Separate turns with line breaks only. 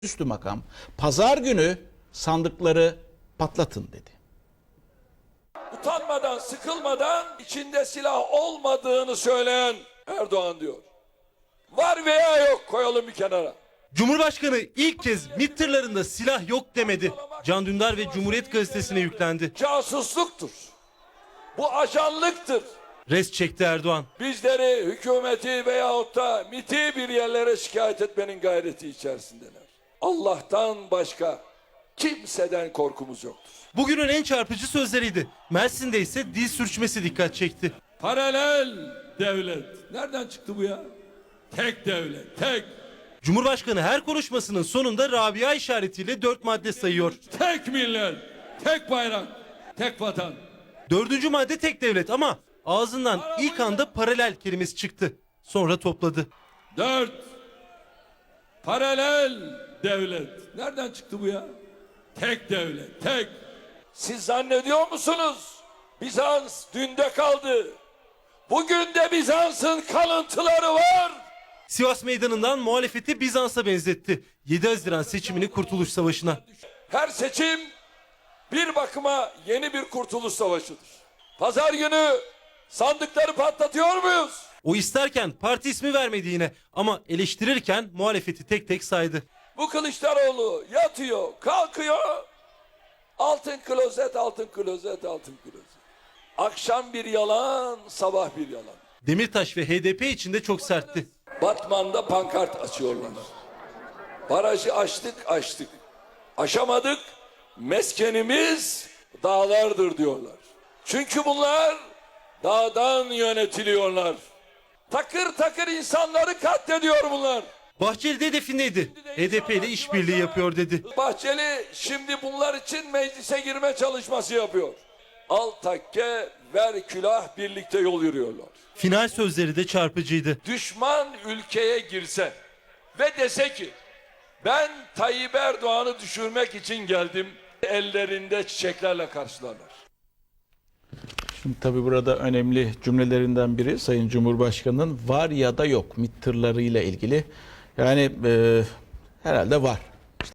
Üstü makam pazar günü sandıkları patlatın dedi.
Utanmadan, sıkılmadan içinde silah olmadığını söyleyen Erdoğan diyor. Var veya yok koyalım bir kenara.
Cumhurbaşkanı ilk kez MİT tırlarında silah yok demedi. Can Dündar ve Cumhuriyet Gazetesi'ne yüklendi.
Casusluktur. Bu ajanlıktır.
Res çekti Erdoğan.
Bizleri, hükümeti veyahut da MİT'i bir yerlere şikayet etmenin gayreti içerisindeler. Allah'tan başka kimseden korkumuz yoktur.
Bugünün en çarpıcı sözleriydi. Mersin'de ise dil sürçmesi dikkat çekti.
Paralel devlet. Nereden çıktı bu ya? Tek devlet, tek.
Cumhurbaşkanı her konuşmasının sonunda Rabia işaretiyle 4 madde sayıyor.
Tek millet, tek bayrak, tek vatan.
4. madde tek devlet ama ağzından ilk anda paralel kelimesi çıktı. Sonra topladı.
4. Paralel devlet. Nereden çıktı bu ya? Tek devlet, tek. Siz zannediyor musunuz? Bizans dünde kaldı. Bugün de Bizans'ın kalıntıları var.
Sivas Meydanı'ndan muhalefeti Bizans'a benzetti. 7 Haziran seçimini Kurtuluş Savaşı'na.
Her seçim bir bakıma yeni bir kurtuluş savaşıdır. Pazar günü sandıkları patlatıyor muyuz?
O isterken parti ismi vermedi yine ama eleştirirken muhalefeti tek tek saydı.
Bu Kılıçdaroğlu yatıyor, kalkıyor. Altın klozet, altın klozet, altın klozet. Akşam bir yalan, sabah bir yalan.
Demirtaş ve HDP için de çok sertti.
Batman'da pankart açıyorlar. Barajı açtık. Aşamadık. Meskenimiz dağlardır diyorlar. Çünkü bunlar dağdan yönetiliyorlar. Takır takır insanları katlediyor bunlar.
Bahçeli de hedefindeydi. HDP ile işbirliği yapıyor dedi.
Bahçeli şimdi bunlar için meclise girme çalışması yapıyor. Al takke, ver külah, birlikte yol yürüyorlar.
Final sözleri de çarpıcıydı.
Düşman ülkeye girse ve dese ki ben Tayyip Erdoğan'ı düşürmek için geldim, ellerinde çiçeklerle karşılarlar.
Şimdi tabii burada önemli cümlelerinden biri Sayın Cumhurbaşkanı'nın var ya da yok MİT tırlarıyla ilgili. Yani herhalde var.